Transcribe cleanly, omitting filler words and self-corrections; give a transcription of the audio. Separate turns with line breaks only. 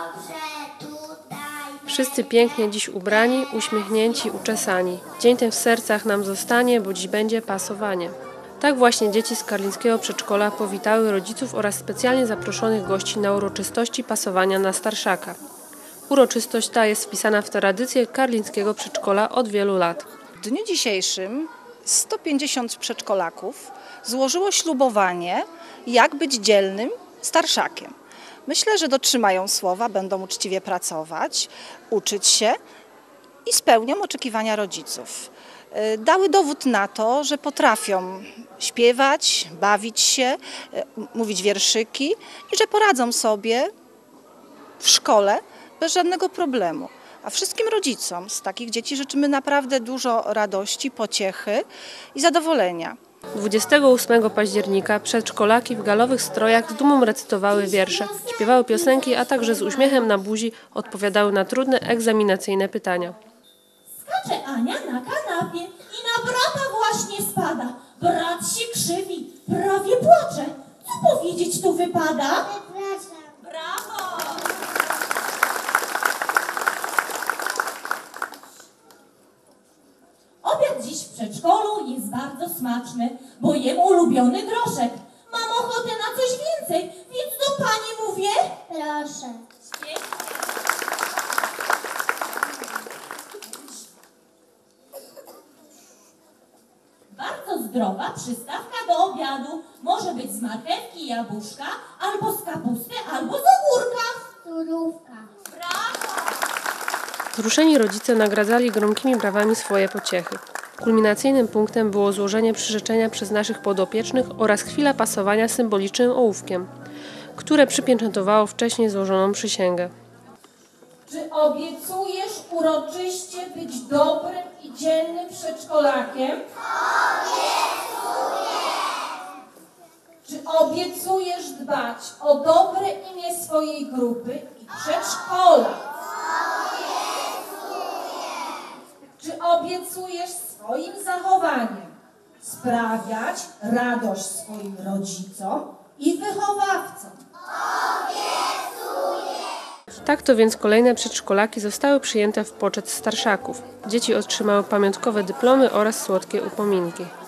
Wszyscy pięknie dziś ubrani, uśmiechnięci, uczesani. Dzień ten w sercach nam zostanie, bo dziś będzie pasowanie. Tak właśnie dzieci z karlińskiego przedszkola powitały rodziców oraz specjalnie zaproszonych gości na uroczystości pasowania na starszaka. Uroczystość ta jest wpisana w tradycję karlińskiego przedszkola od wielu lat.
W dniu dzisiejszym 150 przedszkolaków złożyło ślubowanie, jak być dzielnym starszakiem. Myślę, że dotrzymają słowa, będą uczciwie pracować, uczyć się i spełnią oczekiwania rodziców. Dały dowód na to, że potrafią śpiewać, bawić się, mówić wierszyki i że poradzą sobie w szkole bez żadnego problemu. A wszystkim rodzicom z takich dzieci życzymy naprawdę dużo radości, pociechy i zadowolenia.
28 października przedszkolaki w galowych strojach z dumą recytowały wiersze, śpiewały piosenki, a także z uśmiechem na buzi odpowiadały na trudne egzaminacyjne pytania.
Skacze Ania na kanapie i na brata właśnie spada. Brat się krzywi, prawie płacze. Co powiedzieć tu wypada? Brawo! Obiad dziś w przedszkolu jest bardzo smaczny, bo jem ulubiony groszek. Mam ochotę na coś więcej, więc do pani mówię... Proszę. Bardzo zdrowa przystawka do obiadu. Może być z marchewki i jabłuszka, albo z kapusty, albo z ogórka. Surówka. Brawo!
Wzruszeni rodzice nagradzali gromkimi brawami swoje pociechy. Kulminacyjnym punktem było złożenie przyrzeczenia przez naszych podopiecznych oraz chwila pasowania symbolicznym ołówkiem, które przypieczętowało wcześniej złożoną przysięgę.
Czy obiecujesz uroczyście być dobrym i dzielnym przedszkolakiem? Obiecuję! Czy obiecujesz dbać o dobre imię swojej grupy i przedszkola? Czy obiecujesz swoim zachowaniem sprawiać radość swoim rodzicom i wychowawcom?
Tak to więc kolejne przedszkolaki zostały przyjęte w poczet starszaków. Dzieci otrzymały pamiątkowe dyplomy oraz słodkie upominki.